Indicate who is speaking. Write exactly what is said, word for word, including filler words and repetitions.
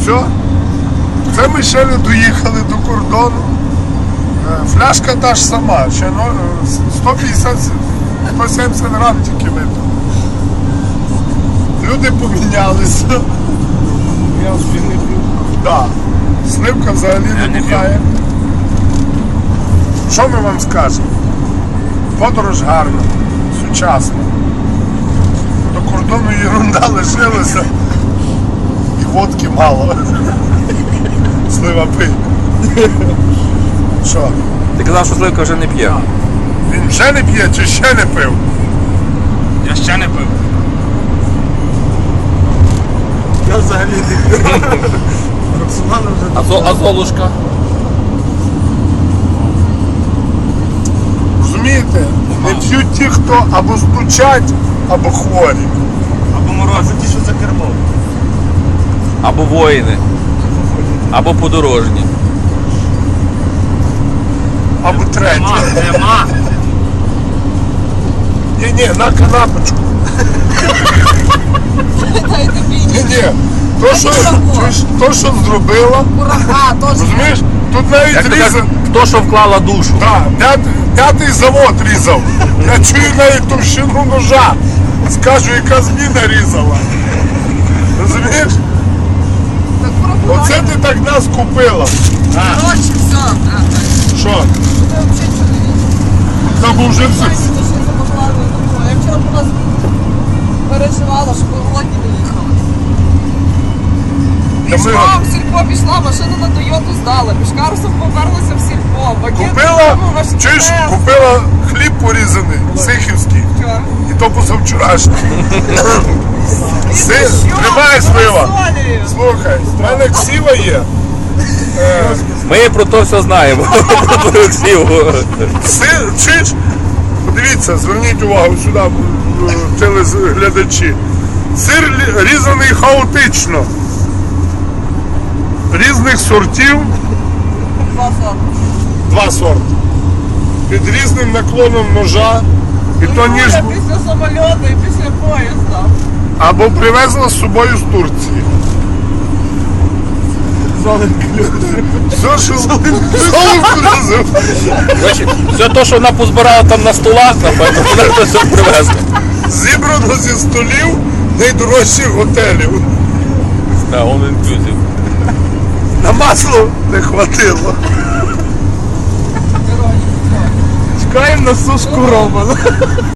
Speaker 1: Все. Це ми ще не доїхали до кордону. Фляжка та ж сама, ще сто п'ятдесят - сто сімдесят грам тільки випив. Люди помінялися.
Speaker 2: Я вже не п'ю.
Speaker 1: Так. Сливка взагалі не бухає. Що ми вам скажемо? Подорож гарна, сучасна. До кордону єрунда лишилася і водки мало. Слива пий. Що?
Speaker 3: Ти казав, що Сливка вже не п'є.
Speaker 1: Він вже не п'є чи ще не пив?
Speaker 2: Я ще не пив. Я взагалі не пив. Роксолана вже...
Speaker 3: А, зо, а Золушка?
Speaker 1: Розумієте? Не п'ють ті, хто або стучать, або хворі.
Speaker 2: Або мороз. Ті, що за кермом.
Speaker 3: Або воїни. Або подорожні.
Speaker 1: Або треті.
Speaker 2: Нема, нема.
Speaker 1: Ні-ні, на канапочку. Ні-ні, то що, чуєш, то, що зробила,
Speaker 4: Курага, теж.
Speaker 1: розумієш, тут навіть
Speaker 3: Як ти
Speaker 1: різав.
Speaker 3: кажеш, хто що вклала душу?
Speaker 1: Так, п'ятий, п'ятий завод різав. Я чую навіть товщину ножа. Скажу, яка зміна різала. Розумієш?
Speaker 4: Так пробувай.
Speaker 1: Оце ти так нас купила.
Speaker 4: Коротше, все. А,
Speaker 1: Що?
Speaker 4: ти взагалі чоловік.
Speaker 1: Там вже все.
Speaker 4: Знаєте, що ще запоклали додому. Я вчора по нас переживала, щоб ви голодні не їхали.
Speaker 1: Та ми-
Speaker 4: Пішла, в сільпо пішла, машину на Тойоту здала. Пішкарусом поперлася в сільпо. Пакет
Speaker 1: Купила,
Speaker 4: додому, ваш
Speaker 1: чуєш,
Speaker 4: стрес.
Speaker 1: купила хліб порізаний, сихівський.
Speaker 4: Вчора.
Speaker 1: І то позавчорашній. Си,
Speaker 4: І що?
Speaker 1: тримай слива.
Speaker 4: Розсолюю.
Speaker 1: Слухай, в мене ксіва є. Е,
Speaker 3: Ми про то все знаємо. Про Олексію.
Speaker 1: Сир, чуєш? Подивіться, зверніть увагу сюди, е, телеглядачі. Сир лі- різаний хаотично. Різних сортів,
Speaker 4: Два сорти.
Speaker 1: два сорти. Під різним наклоном ножа. І то ніж
Speaker 4: Юля після самольоту і після поїзда.
Speaker 1: або привезла з собою з Турції. Все, що золотку.
Speaker 3: Коротше, все те, що вона позбирала там на столах, напевно, вона це все привезла.
Speaker 1: Зібрано зі столів найдорожчих готелів.
Speaker 3: Так, он інклюзив.
Speaker 1: На масло не хватило.
Speaker 2: Чекаємо на сушку Романа.